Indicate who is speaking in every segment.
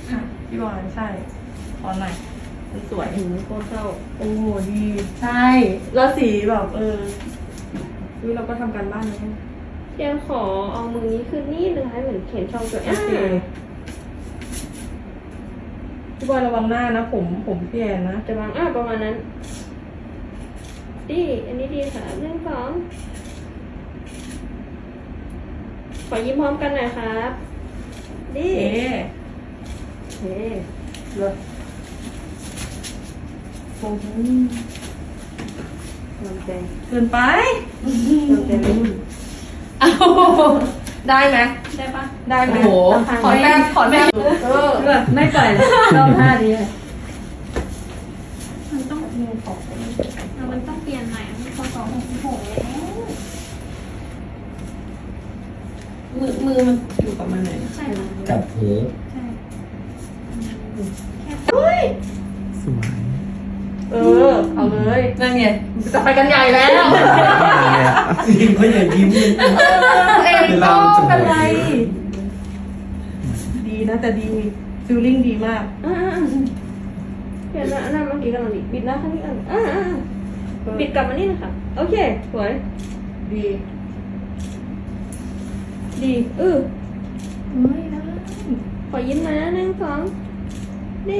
Speaker 1: พี่บอลใช่ตอนไหนมันสวย
Speaker 2: ถึงโคตรเศร้า
Speaker 1: โอ้ดีใช่แล้วสีแบบเราก็ทำการบ้านนะ
Speaker 2: เทียนขอเอามือนี้ขึ้นนิดนึงให้เหมือนเขียนช่องตัว
Speaker 1: โอเคพี่บอลระวังหน้านะผมพี่แอนนะ
Speaker 2: จะวางประมาณนั้นดีอันนี้ดีค่ะ1 2ขอยิ้มพร้อมกันหน่อยครับดี
Speaker 1: เอ๊ะ
Speaker 2: เฮ้
Speaker 1: เลยโอ้โห
Speaker 2: กำลังใจ
Speaker 1: เกินไป
Speaker 2: กำลังใจไม่หยุด
Speaker 1: เอาได้ไหม
Speaker 2: ได้ปะ
Speaker 1: ได้ไหม
Speaker 3: โอ้โห
Speaker 1: ขอแต้ม
Speaker 3: ไม่ปล่อยเลยชอบท่านี้เลย
Speaker 4: มันต้องมันต้องเปลี่ยนใหม่มันพอ266แล้ว
Speaker 1: มือมันอยู่กับมันไหน
Speaker 4: ใช่ค่ะ
Speaker 5: จับหู
Speaker 4: ใช่
Speaker 5: สวย
Speaker 1: เอาเลยนั่นไงจะไปกันใหญ่แล้ว
Speaker 5: จริงเขาอย่ายิ้มเลย
Speaker 1: เองก็เป็นไรดีนะแต่ดีฟิลลิ่งดีมาก
Speaker 2: เขียนหน้าเมื่อกี้กำลังดีบิดหน้าข้างนี้บิดกลับมานี่นะคะโอเคสวย
Speaker 1: ดี
Speaker 2: ดี
Speaker 1: ไม่ได้
Speaker 2: ขอยิ้มหน่อยนะ1 2ดี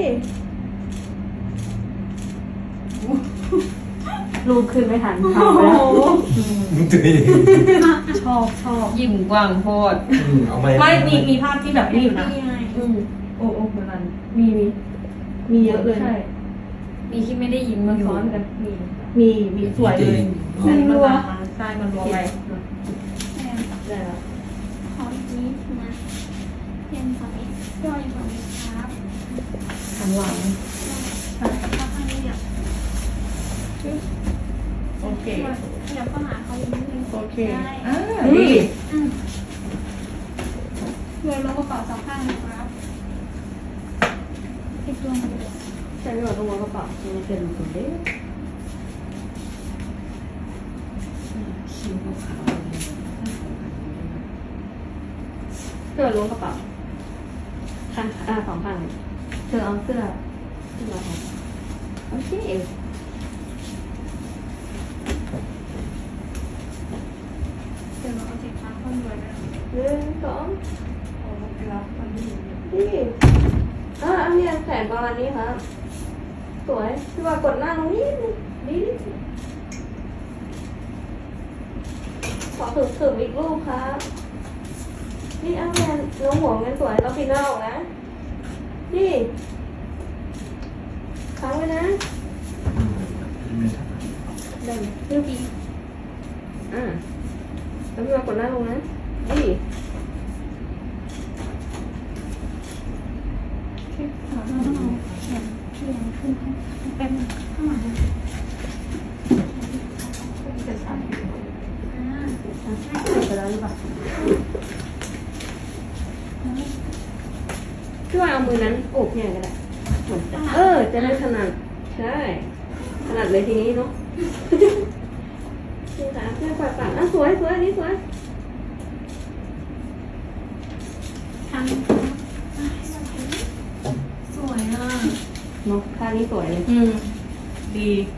Speaker 3: รูปขึ้นไม่ทัน
Speaker 1: โอ้
Speaker 3: ทำไป
Speaker 1: โห
Speaker 3: แล้ว
Speaker 5: ตัวเอง
Speaker 1: ชอบ
Speaker 3: ยิ้มกว้างโพด
Speaker 5: เอาไป
Speaker 1: ไม่มีภาพที่แบบนี้อยู่นะ
Speaker 4: นี่ไง
Speaker 1: โอ้เหมือนกันมีเยอะเลย
Speaker 3: ใช่มีที่ไม่ได้ยิ้มมาซ้อนกัน
Speaker 1: มีสวยเลยใช่มันมาใช่มันรัวไป
Speaker 4: แทน
Speaker 2: ได้แล้ว
Speaker 4: ขออีกนิดนะเทียนฝั่งนี้ย่อยฝั่งนี้ครับ
Speaker 1: ข้างหลัง
Speaker 4: ข้างนี้เนี่ย
Speaker 1: โอเค
Speaker 4: ขยับเข้าหาเขาอีกนิดนึง
Speaker 1: โอเค
Speaker 4: ได้
Speaker 1: ดี
Speaker 4: โยนลงกระเป๋า2 ข้างนะครับติดตัวมาเลย
Speaker 2: ใช่ไม่บอกต้องวางกระเป๋ามันเป็นคนเด้
Speaker 3: คิ้วขาว
Speaker 2: เสื้อล้วงกระเป๋าข้าง2 ข้างเลย
Speaker 3: เธอเอาเสื้อ
Speaker 2: ขึ้นมาค่ะโอเค
Speaker 4: เดี๋ยวเราเอาสินค้าคนรวยนะ
Speaker 2: 1 2
Speaker 1: โอ้เวลามันดี
Speaker 2: ดีอันนี้แขนประมาณนี้ครับสวยพี่ว่ากดหน้าตรงนี้ดีขอถึงอีกรูปครับนี่แมนน้องหัวเงินสวยเราปีนหน้าออกนะนี่ค้างไว้นะได้ไหม
Speaker 4: เรื่องดี
Speaker 2: แล้วพี่ว่ากดหน้าลงนะดี
Speaker 4: เราต้องเอาแขนเรียงขึ้นเป็นข้างหลัง
Speaker 1: จะสั่น
Speaker 2: ไปแล้วหรือเปล่าพี่ว่าเอามือนั้นโอบเนี่ยก็ได้เหมือนจะได้ถนัดใช่ถนัดเลยทีนี้เนาะนี่ค่ะเพื่อนปากสวยอันนี้สวย
Speaker 4: ทำสวยอ่ะ
Speaker 2: เนาะท่านี้สวยเลย
Speaker 1: ดี